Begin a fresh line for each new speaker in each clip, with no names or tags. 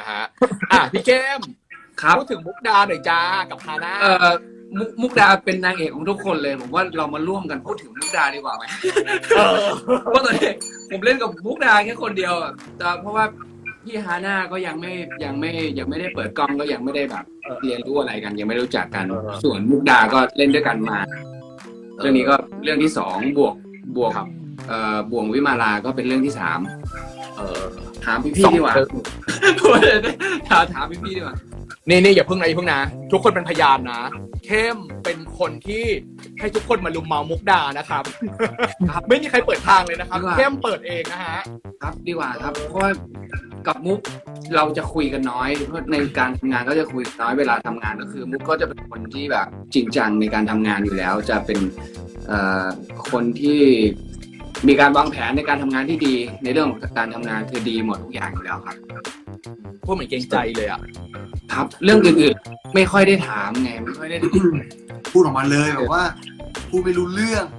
ฮะพี่เข้มพูดถึงมุกดาหน่อยจ้ากับฮาน่า
มุกดาเป็นนางเอกของทุกคนเลยผมว่าเรามาร่วมกันพูดถึงมุกดาดีกว่าไหมเพราะตอนนี้ผมเล่นกับมุกดาแค่คนเดียวแต่เพราะว่าพี่ฮาน่าก็ยังไม่ได้เปิดกล้องก็ยังไม่ได้แบบเรียนรู้อะไรกันยังไม่รู้จักกันส่วนมุกดาก็เล่นด้วยกันมาเรื่องนี้ก็เรื่องที่2บวกบ่วงวิมาลาก็เป็นเรื่องที่3ถามพี่ดีกว่าถามพี่ดีกว่า
นี่อย่าเพิ่งนะทุกคนเป็นพยานนะเข้มเป็นคนที่ให้ทุกคนมาลุมเมามุกดานะครับ ไม่มีใครเปิดทางเลยนะครับเข้มเปิดเองนะฮะ
ครับดีกว่าครับเพราะว่ากับมุกเราจะคุยกันน้อยเพราะในการทำงานก็จะคุยน้อยเวลาทำงานก็คือมุกก็จะเป็นคนที่แบบจริงจังในการทำงานอยู่แล้วจะเป็นคนที่มีการวางแผนในการทำงานที่ดีในเรื่องของการทำงานคือดีหมดทุกอย่างอยู่แล้วครับ
พูดเหมือนเกรงใจเลย
ครับเรื่องอื่นๆไม่ค่อยได้ถามไงไม่ค่อยได้
พูดออกมาเลยแบบว่าพูดไม่รู้เรื่อง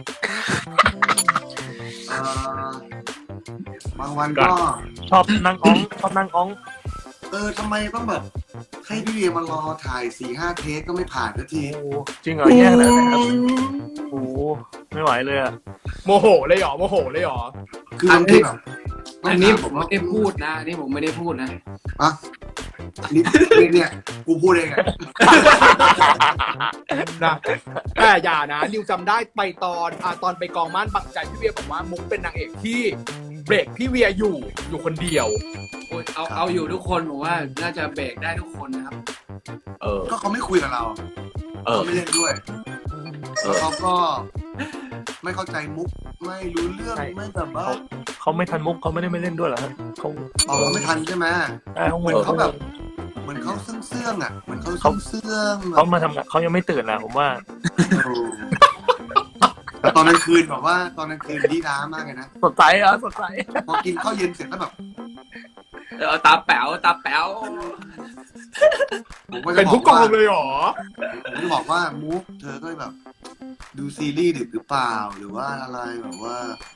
บางวันก็
ชอบนั่งอ้อง
ทำไมต้องแบบให้พี่เวียมารอถ่าย 4-5 เทคก็ไม่ผ่านสักที
จริงเหรอแย่เลยครับโอ้ไม่ไหวเลยอะ
โมโหเลยหรอ
คืออัน
นี้ผมไม่ได้พูดนะนี่ผมไม่ได้พูดนะ
เนี่ยกูพูดเอง
นะแต่อย่านะนิวจำได้ไปตอนไปกองม่านบังใจพี่เวียบอกว่ามุกเป็นนางเอกที่เบรกพี่เวียอยู่คนเดียว
เอาอยู่ทุกคนผมว่าน่าจะเบรกได้ทุกคนนะครับ
ก็เขาไม่คุยกับเราเขาไม่เล่นด้วยเขาก็ไม่เข้าใจมุกไม่รู้เรื่องไม่แบบว่า
เขาไม่ทันมุกเขาไม่ได้ไม่เล่นด้วยเหรอเขา
ไม่ทันใช่ไหมเหมือนเขาแบบเหมือนเขาเสื่องอ่ะเหมือนเขาเสื่อง
เขามาทำงานเขายังไม่ตื่นนะผมว่า
แต่ตอนกลางคืนแบบว่าตอนกลางคืนดีน้ามากเลยนะ
สดใส
พอกินข้าวเย็นเสร็จแล้วแบบ
ตาแป๋ว
เป็นผู้กองเลยหรอ
ผมจะบอกว่ามุกเธอก็แบบดูซีรีส์ดึกหรือเปล่าหรือว่าอะไรแบบว่า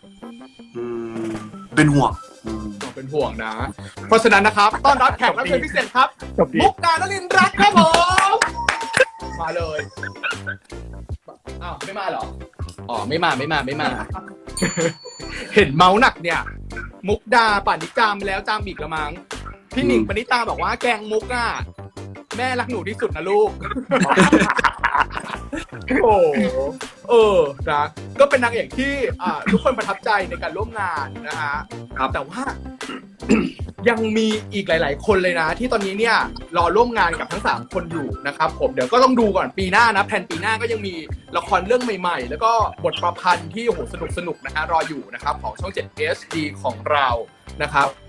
เป็นห่วง
นะเพราะฉะนั้นนะครับต้อนรับแขกรับเชิญพิเศษครับมุกดานลินรักครับผมมาเลยไม่มาเหรอไม่มาเห็นเมาส์หนักเนี่ยมุกดาป่านนี้จามไปแล้วจามอีกละมั้งพี่หนิงปณิตาบอกว่าแกงมุกแม่รักหนูที่สุดนะลูกนะก็เป็นนางเอกที่ทุกคนประทับใจในการร่วมงานนะฮะแต่ว่า ยังมีอีกหลายๆคนเลยนะที่ตอนนี้เนี่ยรอร่วมงานกับทั้ง3คนอยู่นะครับผมเดี๋ยวก็ต้องดูก่อนปีหน้านะแผนปีหน้าก็ยังมีละครเรื่องใหม่ๆแล้วก็บทประพันธ์ที่โอ้โหสนุกนะฮะรออยู่นะครับของช่อง 7 HD ของเรานะครับ